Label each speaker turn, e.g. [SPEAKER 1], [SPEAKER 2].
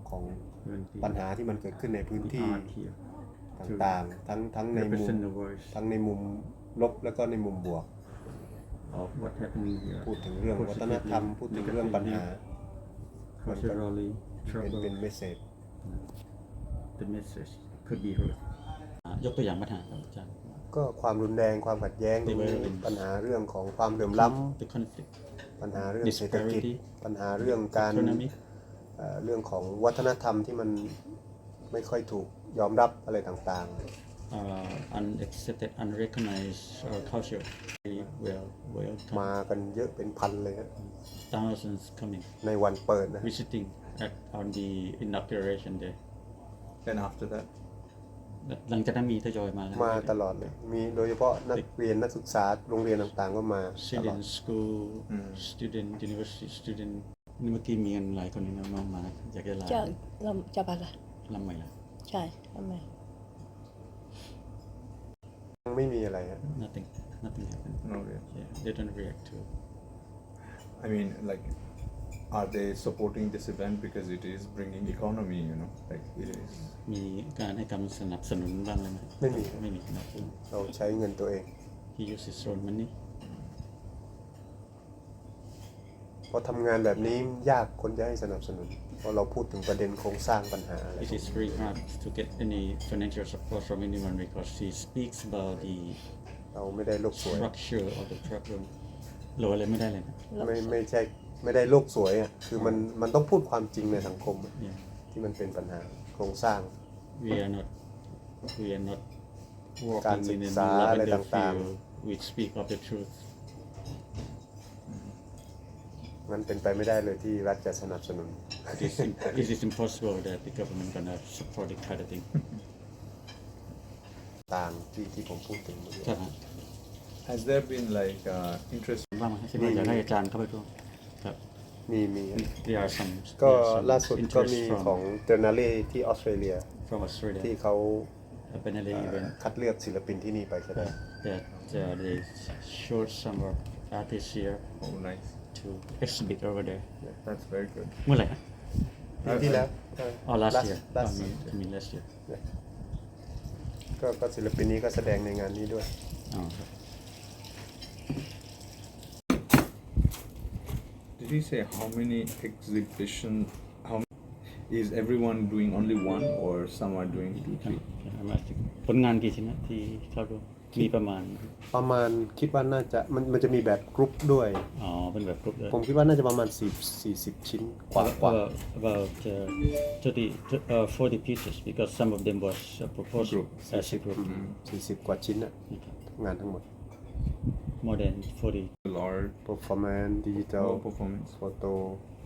[SPEAKER 1] ของ
[SPEAKER 2] 20
[SPEAKER 1] ปัญหาที่มันเกิดขึ้นในพื้นที่
[SPEAKER 2] art here
[SPEAKER 1] ต่างๆทั้งในมุม
[SPEAKER 2] represent the words
[SPEAKER 1] ทั้งในมุมลบแล้วก็ในมุมบวก
[SPEAKER 2] of what happening here
[SPEAKER 1] พูดถึงเรื่องวัฒนธรรม พูดถึงเรื่องปัญหา
[SPEAKER 2] culturally
[SPEAKER 1] เป็น
[SPEAKER 2] trouble
[SPEAKER 1] เมสเซจ
[SPEAKER 2] the message could be heard ยกตัวอย่างปัญหาครับอาจารย์
[SPEAKER 1] ก็ความรุนแรงความขัดแย้งตรงนี้
[SPEAKER 2] Development
[SPEAKER 1] ปัญหาเรื่องของความเหลื่อมล้
[SPEAKER 2] the conflict
[SPEAKER 1] ำปัญหาเรื่องเศรษฐกิจ
[SPEAKER 2] disparity
[SPEAKER 1] ปัญหาเรื่องการ
[SPEAKER 2] economic
[SPEAKER 1] เรื่องของวัฒนธรรมที่มันไม่ค่อยถูกยอมรับอะไรต่าง
[SPEAKER 2] unaccepted unrecognized culture very well
[SPEAKER 1] ๆ มากันเยอะเป็นพันเลยฮะ
[SPEAKER 2] thousands coming
[SPEAKER 1] ในวันเปิดนะ
[SPEAKER 2] visiting on the inauguration day
[SPEAKER 3] And after that,
[SPEAKER 2] หลังจากนั้นมีทยอยมาแล้ว
[SPEAKER 1] มาตลอดเลยมีโดยเฉพาะนักเรียนนักศึกษาโรงเรียนต่างๆก็มาตลอด
[SPEAKER 2] student school student university student นี่เมื่อกี้มีกันหลายคนนี่น้องๆมาอยากจะลา
[SPEAKER 4] จะไปละ
[SPEAKER 2] ลำใหม่ละ
[SPEAKER 4] ใช่ทำไม
[SPEAKER 1] ไม่มีอะไรฮะ
[SPEAKER 2] nothing happened
[SPEAKER 3] no, really.
[SPEAKER 2] yeah they don't react to it
[SPEAKER 3] I mean, like, are they supporting this event because it is bringing economy? Like it is.
[SPEAKER 2] มีการให้การสนับสนุนบ้างไหม
[SPEAKER 1] ไม่มี
[SPEAKER 2] ไม่มีนะ
[SPEAKER 1] เราใช้เงินตัวเอง
[SPEAKER 2] he uses his own money
[SPEAKER 1] พอทำงานแบบนี้ยากคนจะให้สนับสนุน เพราะเราพูดถึงประเด็นโครงสร้างปัญหาอะไร
[SPEAKER 2] it is very hard to get any financial support from anyone because he speaks about the
[SPEAKER 1] เราไม่ได้โลกสวย
[SPEAKER 2] structure of the problem โหลอะไรไม่ได้เลยนะ
[SPEAKER 1] ไม่ใช่ไม่ได้โลกสวยอ่ะคือมันต้องพูดความจริงในสังคมอะ
[SPEAKER 2] yeah
[SPEAKER 1] ที่มันเป็นปัญหาโครงสร้าง
[SPEAKER 2] we are not
[SPEAKER 1] การ
[SPEAKER 2] working
[SPEAKER 1] ศึ
[SPEAKER 2] in
[SPEAKER 1] ก
[SPEAKER 2] a
[SPEAKER 1] ษาอะไร
[SPEAKER 2] lavender
[SPEAKER 1] ต่าง
[SPEAKER 2] field we speak of the truth
[SPEAKER 1] ๆมันเป็นไปไม่ได้เลยที่รัฐจะสนับสนุน
[SPEAKER 2] it is impossible that the government gonna support the kind of thing
[SPEAKER 1] ต่างที่ผมพูดถึงเมื่อกี้
[SPEAKER 2] ใช่ไหม
[SPEAKER 3] Has there been like interest?
[SPEAKER 2] ว่างไหมคิดว่าอยากให้อาจารย์เข้าไปร่วมครับ
[SPEAKER 1] มี
[SPEAKER 2] there are some
[SPEAKER 1] ก็
[SPEAKER 2] there are some
[SPEAKER 1] ล่าสุดก็
[SPEAKER 2] interest
[SPEAKER 1] มี
[SPEAKER 2] from
[SPEAKER 1] ของเตอร์นาเล่ที่ออสเตรเลีย
[SPEAKER 2] from Australia
[SPEAKER 1] ที่เขา
[SPEAKER 2] a Biennale event
[SPEAKER 1] คัดเลือกศิลปินที่นี่ไปแสดง
[SPEAKER 2] that they showed some of artists here
[SPEAKER 3] Oh, nice.
[SPEAKER 2] to exhibit over there
[SPEAKER 3] That's very good.
[SPEAKER 2] เมื่อไหร่ฮะ
[SPEAKER 1] ปีที่แล้ว
[SPEAKER 2] อ๋อ last year
[SPEAKER 1] last
[SPEAKER 2] I mean last year
[SPEAKER 1] ก็ศิลปินนี้ก็แสดงในงานนี้ด้วย
[SPEAKER 2] อ๋อครับ
[SPEAKER 3] Did he say how many exhibition? Is everyone doing only one, or some are doing 2, 3?
[SPEAKER 2] ผลงานกี่ชิ้นนะที่เข้าร่วมมีประมาณ
[SPEAKER 1] คิดว่าน่าจะมันจะมีแบบกรุ๊ปด้วย
[SPEAKER 2] อ๋อเป็นแบบกรุ๊ปเลย
[SPEAKER 1] ผมคิดว่าน่าจะประมาณ40 ชิ้นกว่า
[SPEAKER 2] about 40 pieces because some of them was proposed as a group
[SPEAKER 1] 40 กว่าชิ้นน่ะงานทั้งหมด
[SPEAKER 2] more than 40
[SPEAKER 3] Or
[SPEAKER 1] performance digital
[SPEAKER 3] performance?
[SPEAKER 1] photo